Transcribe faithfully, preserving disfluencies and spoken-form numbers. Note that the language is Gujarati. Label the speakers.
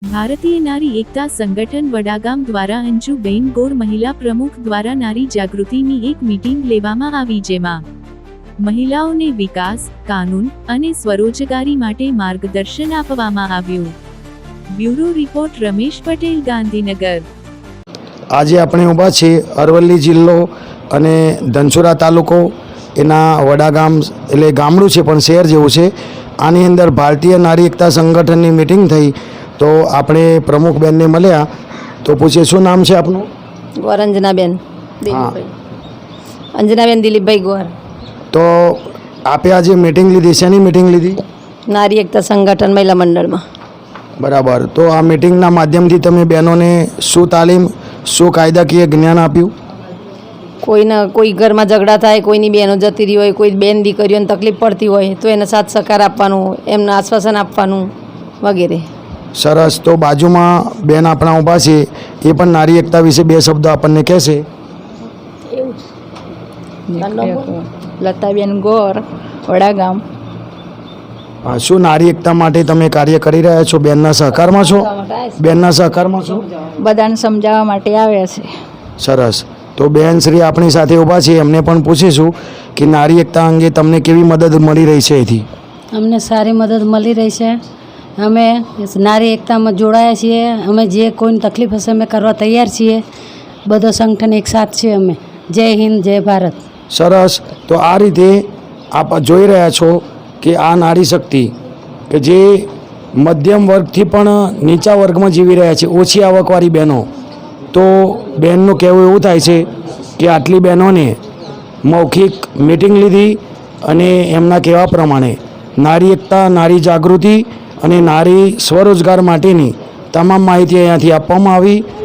Speaker 1: ભારતીય નારી એકતા સંગઠન વડાગામ દ્વારા અંજુબેન ગોર મહિલા પ્રમુખ દ્વારા નારી જાગૃતિની એક મીટિંગ લેવામાં આવી, જેમાં મહિલાઓને વિકાસ, કાનૂન અને સ્વરોજગારી માટે માર્ગદર્શન આપવામાં આવ્યું। Bureau report Ramesh Patel, Gandhinagar.
Speaker 2: આજે આપણે ઊભા છીએ અરવલ્લી જિલ્લો અને ધનસુરા તાલુકો એના વડાગામ એટલે ગામડું છે પણ શહેર જેવું છે। આની અંદર ભારતીય નારી એકતા સંગઠનની મીટિંગ થઈ તો આપણે પ્રમુખ બેનને મળ્યા તો પૂછીએ શું નામ છે આપનું?
Speaker 3: ગોર અંજનાબેન દિલીપભાઈ। અંજનાબેન દિલીપભાઈ ગોર।
Speaker 2: તો આપે આજે મીટિંગ લીધી, શેની મીટિંગ લીધી?
Speaker 3: નારી એકતા સંગઠન મહિલા મંડળમાં।
Speaker 2: બરાબર। તો આ મીટિંગના માધ્યમથી તમે બહેનોને શું તાલીમ, શું કાયદાકીય જ્ઞાન આપ્યું?
Speaker 3: કોઈના કોઈ ઘરમાં ઝઘડા થાય, કોઈની બહેનો જતી રહી હોય, કોઈ બેન દીકરીઓને તકલીફ પડતી હોય તો એને સાથ સહકાર આપવાનું, એમને આશ્વાસન આપવાનું વગેરે।
Speaker 2: સરસ। તો બાજુમાં બેન આપણા ઊભા છે, એ પણ નારી એકતા વિશે બે શબ્દો આપણને કહેશે।
Speaker 4: લતાબેન ગોર, વડાગામ।
Speaker 2: હા, શું નારી એકતા માટે તમે કાર્ય કરી રહ્યા છો? બેનના સહકારમાં છો? બેનના સહકારમાં છો?
Speaker 4: બધાને સમજાવવા માટે આવ્યા છે।
Speaker 2: સરસ। તો બેન શ્રી આપણી સાથે ઊભા છે, એમને પણ પૂછીશું કે નારી એકતા અંગે તમને કેવી મદદ મળી રહી છે? એથી
Speaker 5: અમને સારી મદદ મળી રહી છે। અમે નારી એકતામાં જોડાયા છીએ। અમે જે કોઈને તકલીફ હશે અમે કરવા તૈયાર છીએ। બધો સંગઠન એક સાથ છે અમે। જય હિન્દ, જય ભારત।
Speaker 2: સરસ। તો આ રીતે આપ જોઈ રહ્યા છો કે આ નારી શક્તિ કે જે મધ્યમ વર્ગથી પણ નીચા વર્ગમાં જીવી રહ્યા છે, ઓછી આવકવાળી બહેનો, તો બહેનનું કહેવું એવું થાય છે કે આટલી બહેનોને મૌખિક મીટિંગ લીધી અને એમના કહેવા પ્રમાણે નારી એકતા, નારી જાગૃતિ અને નારી સ્વરોજગાર માટેની તમામ માહિતી અહીંયાથી આપવામાં આવી।